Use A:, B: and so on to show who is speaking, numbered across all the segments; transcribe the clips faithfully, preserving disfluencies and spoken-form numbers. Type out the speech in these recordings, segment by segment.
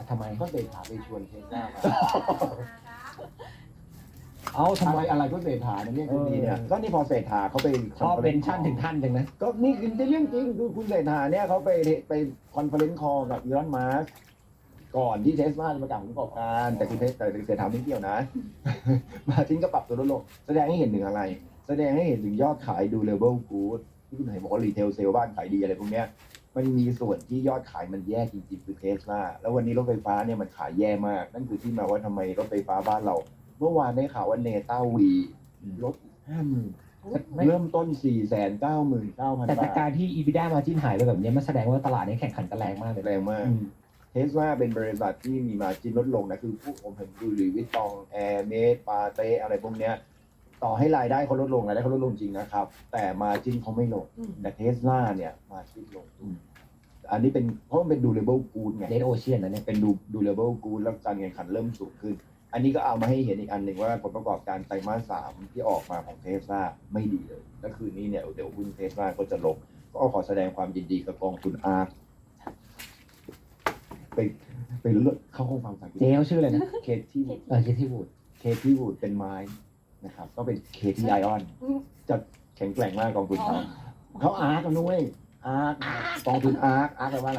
A: ทำไม
B: ก็เศรษฐาไปชวนเทสลามา
A: เอาทำ
B: ทำ
A: ไม
B: ไมอะไรก็เศรษฐาเนี่ยคุณดีเนี่ยก็นี่พอเศรษฐาเขาไป
A: ชอบเป็นชั้นถึงท่านจังนะ
B: ก็นี่คือเรื่องจริงคือคุณเศรษฐาเนี่ยเขาไปไปคอนเฟอเรนซ์คอลกับอีลอนมัสก์ก่อนที่เทสลาจะประกาศผลประกอบการแต่คุณเทสแต่เศรษฐาไม่เกี่ยวนะ มาทิ้งก็ปรับตัวลดลงแสดงให้เห็นถึงอะไร แสดงให้เห็นถึงยอดขายดูเลเวลกู๊ดที่คุณเห็นบอกว่ารีเทลเซลบ้านขายดีอะไรพวกเนี้ยมันมีส่วนที่ยอดขายมันแย่จริงๆคือเทสลาแล้ววันนี้รถไฟฟ้าเนี่ยมันขายแย่มากนั่นคือที่มาว่าทำไมรถไฟฟ้าบ้านเรา เมื่อวานได้ข่าวว่าเนต้าวีลดห้าหมื่นเริ่มต้นสี่แสนเก้าหมื่นเก้าพัน
A: แต่
B: บา
A: จาก
B: ท
A: การที่ EBITDA มาจิ้นหายไปแบบนี้มันแสดงว่าตลาดนี้แข่งขันกันแรงมากเลย
B: แรงมาก
A: อืม
B: เทสลาเป็นบริษัทที่มีมาจินลดลงนะคือผู้ผมเห็นดูหรือวิตตองแอร์เมสปาเต้อะไรพวกเนี้ยต่อให้รายได้เขาลดลงรายได้เขาลดลงจริงนะครับ แต่มาจินเขาไม่ลงแต่เทสลาเนี่ยมาจินลง
A: อืม
B: อันนี้เป็นเพราะมันเป็น durable good ไง
A: เดนโอเชียนนะเนี่ย
B: เป็นดู durable good แล้วการแข่งขันเริ่มสูงขึ้น อันนี้ก็เอามาให้เห็นอีกอันหนึ่งว่าผลประกอบการไตรมาสสามที่ออกมาของเทสลาไม่ดีเลยและคืนนี้เนี่ยเดี๋ยวหุ้นเทสลาก็จะลงก็ขอแสดงความยินดีกับกองทุนอาร์ไปไปเลือกเข้าห้องฟังภาษาอังกฤษ
A: เจ๊เขาชื่ออะไรนะ
B: เคที่
A: เออเจที่วูด
B: เคที่วูดเป็นไม้นะครับก็เป็นเคที่ไอออนจะแข็งแกร่งมากกองทุนเขาเขาอาร์กันนุ้ยอาร์กองทุนอาร์อาร์แปลว่าอะไร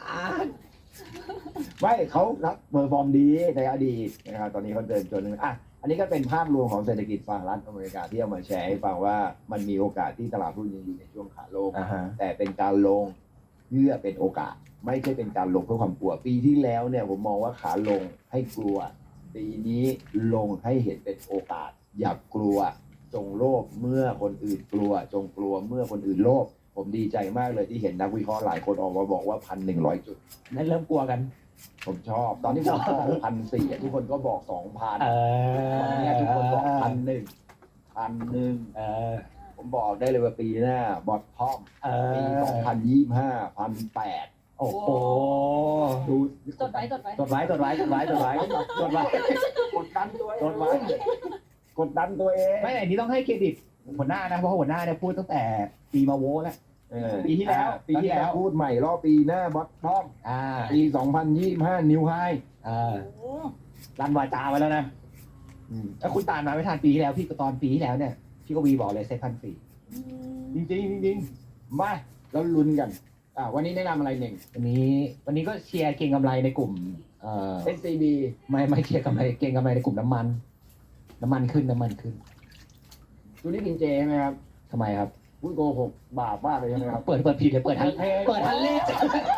B: ไม่เขารับเปอร์ฟอร์มดีในอดีตนะครับตอนนี้เขาเดินจนหนึ่งอ่ะอันนี้ก็เป็นภาพรวมของเศรษฐกิจสหรัฐอเมริกาที่เอามาแชร์ให้ฟังว่ามันมีโอกาสที่ตลาดหุ้นยังอยู่ในช่วงขาลง
A: อ่าฮะ
B: แต่เป็นการลงเพื่อเป็นโอกาส ไม่ใช่เป็นการลงเพื่อความกลัว ปีที่แล้วเนี่ยผมมองว่าขาลงให้กลัว ปีนี้ลงให้เห็นเป็นโอกาส อย่ากกลัว จงโลภเมื่อคนอื่นกลัว จงกลัวเมื่อคนอื่นโลภผมดีใจมากเลยที่เห็นนักวิเคราะห์หลายคนออกมาบอกว่าพันหนึ่งร้อยจุด
A: นั่นเริ่มกลัวกัน
B: ผมชอบ ตอนที่ผมบอกพันสี่ทุกคนก็บอกสองพัน
A: เออ
B: วันนี้ทุกคนบอกพันหนึ่งพันหนึ่ง
A: เออ
B: ผมบอกได้เลยว่าปีหน้าบอททอม
A: เอ
B: ปี
A: อ
B: สองพันยี่สิบห้าพันแปด
A: โอ้โห
B: ดู
C: จดไว้จดไว้
A: จดไว้จดไว้จดไว้จดไว้จดไว้
B: กดดันตัวเอง
A: จดไว้
B: กดดันตัวเอง
A: ไม่อันนี้ต้องให้เครดิตหัวหน้านะเพราะหัวหน้าเนี่ยพูดตั้งแต่ปีมาโวแล้ว
B: เออ
A: ปีที่แล้ว
B: ปีที่แล้วพูดใหม่รอบปีหน้าบอททอม
A: อ่า
B: ปีสองพันยี่สิบห้านิวไฮ
A: เออ
C: โอ้
A: รันวาจาไว้แล้วนะแล้วคุณตามมาไม่ทันปีที่แล้วพี่ก็ตอนปีที่แล้วเนี่ยพี่ก็วีบอกเลยเซ็ตพันสี่
B: จริงจริงๆจริงๆมาแล้วลุ้นกันอ่าวันนี้แนะนำอะไรหนึ่ง
A: วันนี้วันนี้ก็เชียร์เก่งกำไรในกลุ่มเอ่อ
B: เอส ซี บี
A: ไม่ไม่เชียร์กำไรเก่งกำไรในกลุ่มน้ำมัน น้ำมันขึ้นน้ำมันขึ้น
B: ดูนี่กินเจใช่ไหมครับ
A: ทำไมครับ
B: พูดโกหกบาปมากเลยใช่ไหมครับ
A: เปิดเปิดผิดเลยเปิดทันเปิดทันเลข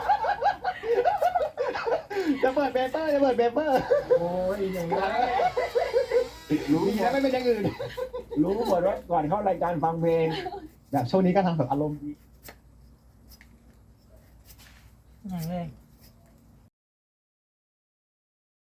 A: จะเปิดเปเปอร์จะเปิดเปเปอร์
B: โอ้ยอย่างนี้รู้
A: ดี
B: หม
A: นะ
B: ด
A: ไม่เป็นอย่างอื่น
B: รู้หมดว่าก่อนเข้ารายการฟังเพลง
A: แบบช่วงนี้ก็ทำแบบอารมณ์ดี
C: ยังเลย